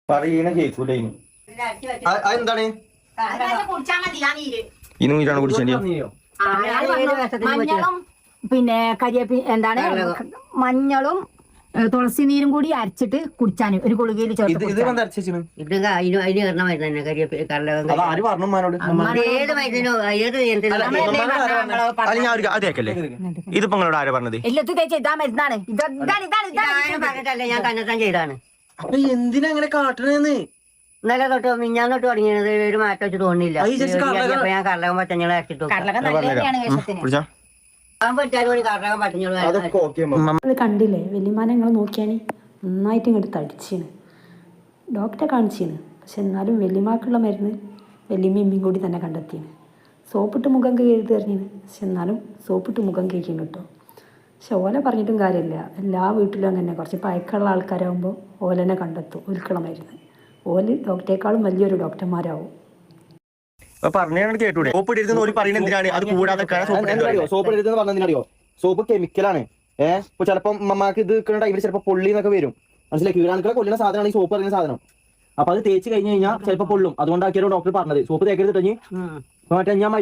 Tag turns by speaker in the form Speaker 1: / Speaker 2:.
Speaker 1: പറയണ കേൾക്കൂല അതെന്താണ് ഇനി നീരാണ് കുടിച്ചേണ്ടി
Speaker 2: മഞ്ഞളും പിന്നെ കരിയേപ്പി എന്താണ് മഞ്ഞളും തുളസി നീരും കൂടി അരച്ചിട്ട് കുടിച്ചാന് ഒരു ഗുളികയിൽ ചേർത്ത്
Speaker 3: ഇത് അതിന് കയറണ മരുന്ന് തന്നെ കരിയേപ്പി ഏത് മരുന്നിനോ
Speaker 1: അതേക്കല്ലേ ഇതിപ്പോ നിങ്ങളോട് ആരാ പറഞ്ഞത്
Speaker 2: എല്ലാത്തും തേച്ച് ഇതാ മരുന്നാണ്
Speaker 3: പറഞ്ഞിട്ടല്ലേ ഞാൻ തന്നെത്താൻ ചെയ്താണ്.
Speaker 1: അപ്പൊ എന്തിനാ അങ്ങനെ കാട്ടണെന്ന്
Speaker 3: ഇന്നലെ തൊട്ട് മിഞ്ഞാന്ന് തൊട്ട് തുടങ്ങിയത് ഒരു മാറ്റം വെച്ച് തോന്നില്ല. ഞാൻ കർലകം പച്ചഞ്ഞോളം അരച്ചിട്ടു
Speaker 4: അത് കണ്ടില്ലേ വല്യമാനെ നിങ്ങൾ നോക്കിയാൽ നന്നായിട്ട് ഇങ്ങോട്ട് തടിച്ചാണ്. ഡോക്ടറെ കാണിച്ചാണ്. പക്ഷെ എന്നാലും വല്യമാക്കുള്ള മരുന്ന് വല്യമ്മയും കൂടി തന്നെ കണ്ടെത്തിയാണ്. സോപ്പിട്ട് മുഖം കഴുകി എറിഞ്ഞിന്. പക്ഷെ എന്നാലും സോപ്പിട്ട് മുഖം കഴിക്കും കേട്ടോ. പക്ഷെ ഓല പറഞ്ഞിട്ടും കാര്യമില്ല. എല്ലാ വീട്ടിലും അങ്ങനെ കുറച്ച് പഴക്കമുള്ള ആൾക്കാരാകുമ്പോൾ ഓലനെ കണ്ടെത്തും ഒരിക്കലുള്ള മരുന്ന്. ഓല് ഡോക്ടറേക്കാളും വലിയൊരു ഡോക്ടർമാരാവും.
Speaker 1: കേട്ടൂടെ സോപ്പ് ഇടരുതെന്ന് പറയുന്നത് എന്തിനാണ്? അത് കൂടാതെ സോപ്പ് ഇടരുതെന്ന് പറഞ്ഞതിനറിയോ? സോപ്പ് കെമിക്കലാണ്. ഇപ്പൊ ചിലപ്പോൾ അമ്മമാർക്ക് ഇത് നിൽക്കുന്ന ടൈമിൽ ചിലപ്പോൾ പൊള്ളി എന്നൊക്കെ വരും. മനസ്സിലായി? കീടാണുക്കളെ കൊല്ലുന്ന സാധനമാണ് ഈ സോപ്പ് പറയുന്ന സാധനം. അപ്പൊ അത് തേച്ച് കഴിഞ്ഞ് കഴിഞ്ഞാൽ ചിലപ്പോൾ പൊള്ളും. അതുകൊണ്ടാക്കിയാലും ഡോക്ടർ പറഞ്ഞത് സോപ്പ് തേക്കരുത്. മറ്റേ ഞാൻ